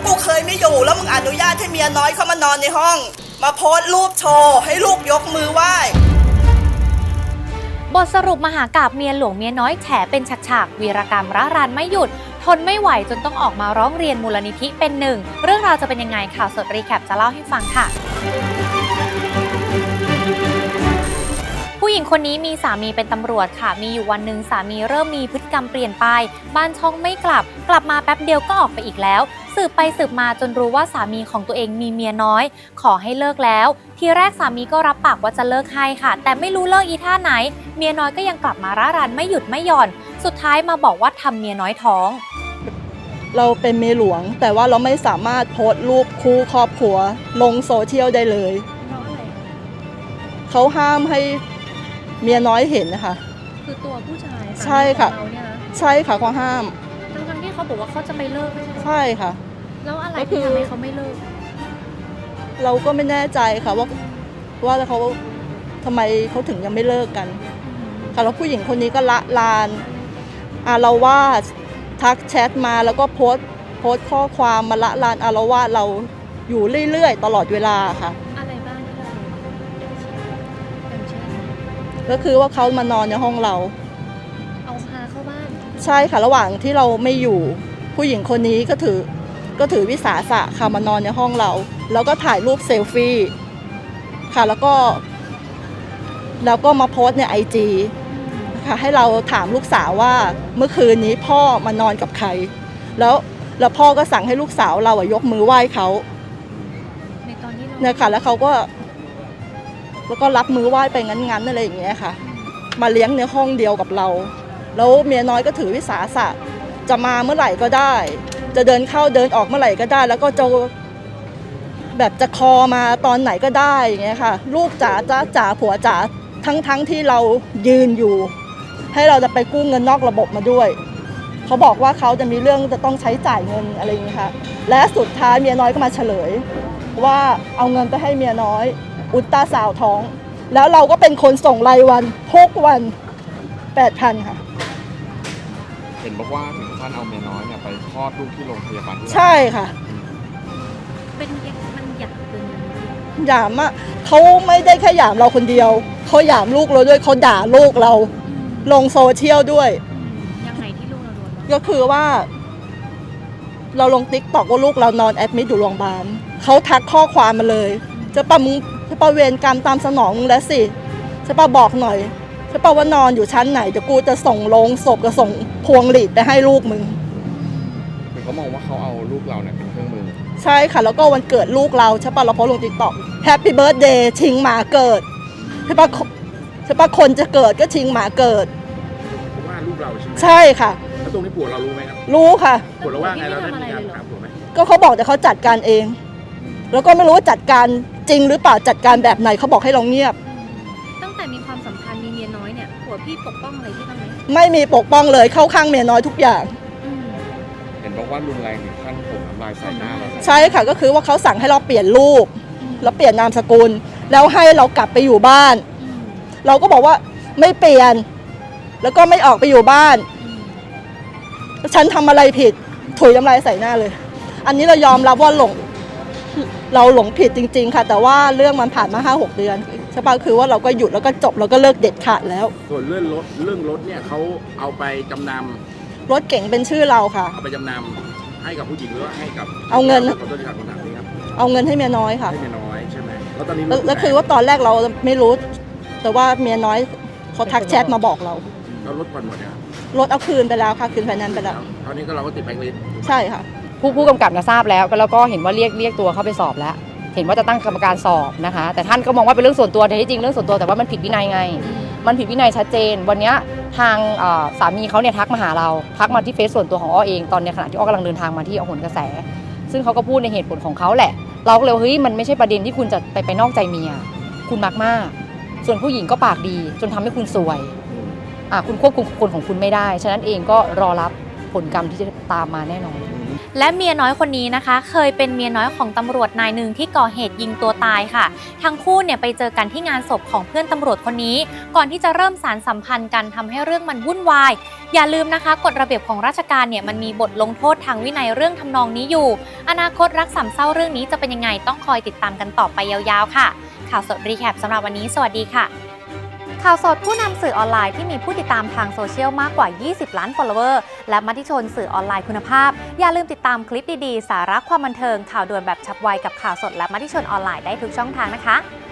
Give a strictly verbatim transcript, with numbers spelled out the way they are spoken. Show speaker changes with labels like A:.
A: กูเคยไม่อยู่แล้วมึงอนุญาตให้เมียน้อยเข้ามานอนในห้องมาโพสต์รูปโชว์ให้ลูกยกมือไหว้
B: บทสรุปมหากาพย์เมียหลวงเมียน้อยแฉเป็นฉากๆวีรกรรมร้ารานไม่หยุดทนไม่ไหวจนต้องออกมาร้องเรียนมูลนิธิเป็นหนึ่งเรื่องราวจะเป็นยังไงข่าวสดรีแคปจะเล่าให้ฟังค่ะผู้หญิงคนนี้มีสามีเป็นตำรวจค่ะมีอยู่วันหนึ่งสามีเริ่มมีพฤติกรรมเปลี่ยนไปบ้านช่องไม่กลับกลับมาแป๊บเดียวก็ออกไปอีกแล้วสืบไปสืบมาจนรู้ว่าสามีของตัวเองมีเมียน้อยขอให้เลิกแล้วทีแรกสามีก็รับปากว่าจะเลิกให้ค่ะแต่ไม่รู้เลิกอีท่าไหนเมียน้อยก็ยังกลับมาร่ารันไม่หยุดไม่หย่อนสุดท้ายมาบอกว่าทำเมียน้อยท้อง
A: เราเป็นเมียหลวงแต่ว่าเราไม่สามารถโพสต์รูปคู่ครอบครัวลงโซเชียลได้เลยเขาห้ามให้เมียน้อยเห็นนะคะ
B: คือตัวผู้ชาย
A: ใช่ค่ะใช่ค่ะเขาห้าม
B: ทั้งๆที่เขาบอกว่าเขาจะไปเลิกไม่ใช่
A: ใช่ค่ะ
B: แล้วอะไรที่ทำให้เขาไม่เลิก
A: เราก็ไม่แน่ใจค่ะว่าว่าเขาทำไมเขาถึงยังไม่เลิกกันค่ะแล้วผู้หญิงคนนี้ก็ละลานอาละวาดทักแชทมาแล้วก็โพสต์โพสต์ข้อความมาละลานอาละวาดเราอยู่เรื่อยๆตลอดเวลาค่ะ
B: อะไรบ้างที่เรา
A: ก็คือว่าเขามานอนในห้องเรา
B: เอาพาเข้าบ้าน
A: ใช่ค่ะระหว่างที่เราไม่อยู่ผู้หญิงคนนี้ก็ถือก็ถือวิสาสะค่ะมานอนในห้องเราแล้วก็ถ่ายรูปเซลฟี่ค่ะแล้วก็แล้วก็มาโพสต์ในไอจีค่ะให้เราถามลูกสาวว่าเมื่อคืนนี้พ่อมานอนกับใครแล้วแล้วพ่อก็สั่งให้ลูกสาวเราอะยกมือไหว้เขา
B: ในตอนที่เรา
A: เนี่ยค่ะแล้วเขาก็แล้วก็รับมือไหว้ไปงั้นๆอะไรอย่างเงี้ยค่ะมาเลี้ยงในห้องเดียวกับเราแล้วเมียน้อยก็ถือวิสาสะจะมาเมื่อไหร่ก็ได้จะเดินเข้าเดินออกเมื่อไหร่ก็ได้แล้วก็จะแบบจะคอมาตอนไหนก็ได้อย่างเงี้ยค่ะลูกจ๋าจ้าจ๋าผัวจ๋าทั้งทั้งที่เรายืนอยู่ให้เราจะไปกู้เงินนอกระบบมาด้วยเขาบอกว่าเขาจะมีเรื่องจะต้องใช้จ่ายเงินอะไรอย่างเงี้ยค่ะและสุดท้ายเมียน้อยก็มาเฉลยว่าเอาเงินไปให้เมียน้อยอุลตราซาวด์ท้องแล้วเราก็เป็นคนส่งรายวันทุกวัน แปดพัน ค่ะ
C: เห็นบอกว่าถึงขั้นเอาเมียน้อยเนี่ยไปคลอดลูกที่โรงพยาบาล
A: ใช่ค่ะ
B: เป็นมันหยามเป็น
A: หยามอะเขาไม่ได้แค่หยามเราคนเดียวเขาหยามลูกเราด้วยเขาด่าลูกเราลงโซเชียลด้วย
B: ยังไงที่ลูกเราโดน
A: ก็คือว่าเราลงติ๊กต็อกว่าลูกเรานอนแอดมิทอยู่โรงพยาบาลเขาทักข้อความมาเลยจะปะมึงจะปะเวรกรรมตามสนองมึงแล้วสิจะปะบอกหน่อยจะปะว่านอนอยู่ชั้นไหนเดี๋ยวกูจะส่งลงศพจะส่งพวงหลีดไปให้ลูกมึง
C: คือเขามองว่าเขาเอาลูกเราเนี่ยเป็นเครื่องมือ
A: ใช่ค่ะแล้วก็วันเกิดลูกเราใช่ปะเราโพสลงติ๊กต็อกแฮปปี้เบิร์ธเดย์ชิงหมาเกิดใช่ปะใช่ปะคนจะเกิดก็ชิงหมาเกิด
C: ว่าลูกเราใช่ไหม
A: ใช่ค่ะ
C: แล้วตรงนี้ผัวเรารู้ไหมครับ
A: รู้ค่ะ
C: ผัวเราว่าไงเราได้มีการถามผัวไหม
A: ก็เขาบอกแต่เขาจัดการเองแล้วก็ไม่รู้ว่าจัดการจริงหรือเปล่าจัดการแบบไหนเขาบอกให้เราเงียบ
B: ตั้งแต่มีความสัมพันธ์มีเมียน้อยเนี่ยผัวพี่ปกป้องอะไรพี่บ้างไหม
A: ไม่มีปกป้องเลยเข้าข้างเมียน้อยทุกอย่าง
C: เห็นบอกว่ารุนแรงถึงขั้นผมน้ำลายใส่หน้าเรา
A: ใช่ค่ะก็คือว่าเขาสั่งให้เราเปลี่ยนรูปแล้วเปลี่ยนนามสกุลแล้วให้เรากลับไปอยู่บ้านเราก็บอกว่าไม่เปลี่ยนแล้วก็ไม่ออกไปอยู่บ้านฉันทำอะไรผิดถุยน้ำลายใส่หน้าเลยอันนี้เรายอมรับว่าหลงเราหลงผิดจริงๆค่ะแต่ว่าเรื่องมันผ่านมา ห้าหก เดือนใช่ป่ะคือว่าเราก็หยุดแล้วก็จบแล้วก็เลิกเด็ดขาดแล้ว
C: ส่วนเรื่องรถเรื่องรถเนี่ยเขาเอาไปจำนำ
A: รถเก๋งเป็นชื่อเราค่ะ
C: เอาไปจำนำให้กับผู้หญิงหรือว่าให้กับ
A: เอาเงิน
C: ขอโทษที่ถามคำถามนี้ครับ
A: เอาเงินให้เมียน้อยค่ะ
C: ให้เมียน้อยใช่ไหมแล้วตอนนี้
A: แล้วคือว่าตอนแรกเราไม่รู้แต่ว่าเมียน้อยเขาทักแชทมาบอกเรา
C: แล้วรถผ่อนหมดเนี่ย
A: รถเอาคืนไปแล้วค่ะคืนไฟแนนซ์ไปแล้ว
C: ตอนนี้ก็เราก็ติดแบงค์ลิสต์
A: ใช่ค่ะ
D: ผู้ผู้กำกับนะทราบแล้วแล้วก็เห็นว่าเรียกเรียกตัวเข้าไปสอบแล้วเห็นว่าจะตั้งกรรมการสอบนะคะแต่ท่านก็มองว่าเป็นเรื่องส่วนตัวแต่ที่จริงเรื่องส่วนตัวแต่ว่ามันผิดวินัยไงมันผิดวินัยชัดเจนวันนี้ทางสามีเขาเนี่ยทักมาหาเราทักมาที่เฟซส่วนตัวของอ้อเองตอนในขณะที่อ้อกำลังเดินทางมาที่อโหนกระแสซึ่งเขาก็พูดในเหตุผลของเขาแหละเราก็เลยเฮ้ยมันไม่ใช่ประเด็นที่คุณจะไปไปนอกใจเมียคุณมากมากส่วนผู้หญิงก็ปากดีจนทำให้คุณซวยอ่ะคุณควบคุมคนของคุณไม่ได้ฉะนั้นเองก็รอรับผลกรรมที่จะตามมาแน่นอน
B: และเมียน้อยคนนี้นะคะ เคยเป็นเมียน้อยของตำรวจนายหนึ่งที่ก่อเหตุยิงตัวตายค่ะทั้งคู่เนี่ยไปเจอกันที่งานศพของเพื่อนตำรวจคนนี้ก่อนที่จะเริ่มสารสัมพันธ์กันทำให้เรื่องมันวุ่นวายอย่าลืมนะคะกฎระเบียบของราชการเนี่ยมันมีบทลงโทษทางวินัยเรื่องทำนองนี้อยู่อนาคตรักสามเศร้าเรื่องนี้จะเป็นยังไงต้องคอยติดตามกันต่อไปยาวๆค่ะข่าวสดรีแคปสำหรับวันนี้สวัสดีค่ะข่าวสดผู้นำสื่อออนไลน์ที่มีผู้ติดตามทางโซเชียลมากกว่ายี่สิบล้าน follower และมติชนสื่อออนไลน์คุณภาพอย่าลืมติดตามคลิปดีๆสาระความบันเทิงข่าวด่วนแบบฉับไวกับข่าวสดและมติชนออนไลน์ได้ทุกช่องทางนะคะ